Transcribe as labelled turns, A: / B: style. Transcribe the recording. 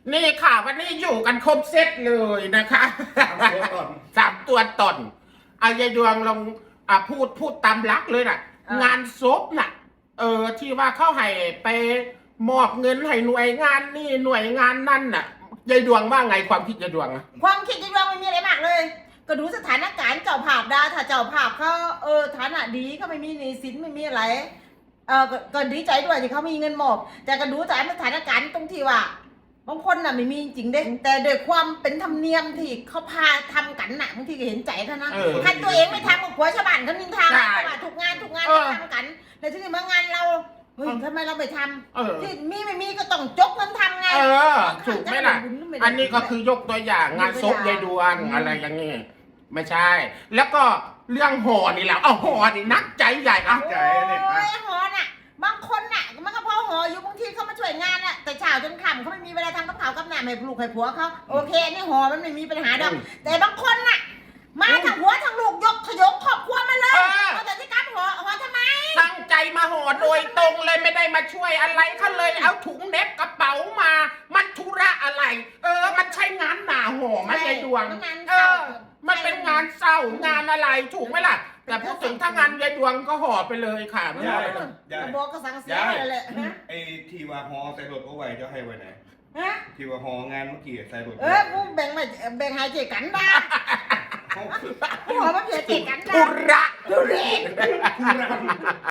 A: นี่ค่ะวันนี้อยู่กันครบเซตเลยนะคะ3 ตัวตนเอายายดวงลองพูดตามลักเลยน่ะ งานศพน่ะที่ว่าเขาให้ไปมอบเงินให้หน่วยงานนี่หน่วยงานนั่นน่ะยายดวงว่าไงความคิดยายดวงอะ
B: ความคิดยายดวงไม่มีอะไรมากเลย ก็ดูสถานการณ์เจ้าภาพได้ถ้าเจ้าภาพเขาฐานะดีเขาไม่มีหนี้สินไม่มีอะไรก็ดีใจด้วยที่เขามีเงินมอบแต่ก็ดูจากสถานการณ์ตรงที่ว่าบางคนน่ะไม่มีจริงเด้แต่โดยความเป็นธรรมเนียมที่เขาพาทำกันน่ะบางทีก็เห็นใจเขานะถ้าตัวเองไม่ทำกับหัวชาวบ้านเขานินทาว่าทุกงานทำกันแต่ที่นี่มางานเราเฮ้ยทำไมเราไม่ทำที่มีไม่มีก็ต้องจกเงินทำไง
A: ถูกไหมล่ะอันนี้ก็คือยกตัวอย่างงานศพยายดวงอะไรอย่างนี้ไม่ใช่ แล้วก็เรื่องห่อนี่แหละห่อนี่นักใจใหญ่
B: ใจเนี่ยห่อน่ะบางคนน่ะมันก็พอห่ออยู่บางทีเขามาช่วยงานน่ะแต่เช้าจนค่ำเขาไม่มีเวลาทำกับข้าวกับน้ำให้ลูกให้ผัวเขาโอเคนี่ห่อมันไม่มีปัญหาดอกแต่บางคนน่ะมาทั้งหัวทั้งลูกยกขยงครอบครัวมาเลยแต่ที่การห่อทำไม
A: ตั้งใจมาห่อโดยตรงเลยไม่ได้มาช่วยอะไรเขาเลยเอาถุงเน็บกระเป๋ามามันธุระอะไรมันใช่งานหนาห่อมันยายดวงมันเป็นงานเศร้างานอะไรถูกไหมล่ะแต่พูดถึงถ้างานยายดวงก็ห่อไปเลยค่ะไม่ห่อเลย
B: บอกก็สั่งเสียอะไรเลย
C: ไอ้ที่ว่าห่อใส่รถเอาไว้จะให้ไว้ไหนที่ว่าห่องานเมื่อกี้ใส่รถ
B: กูแบ่งให้เจกันบ้าห่อมาเพียเจกันบ้า
A: ธุระ
B: ธุเรศ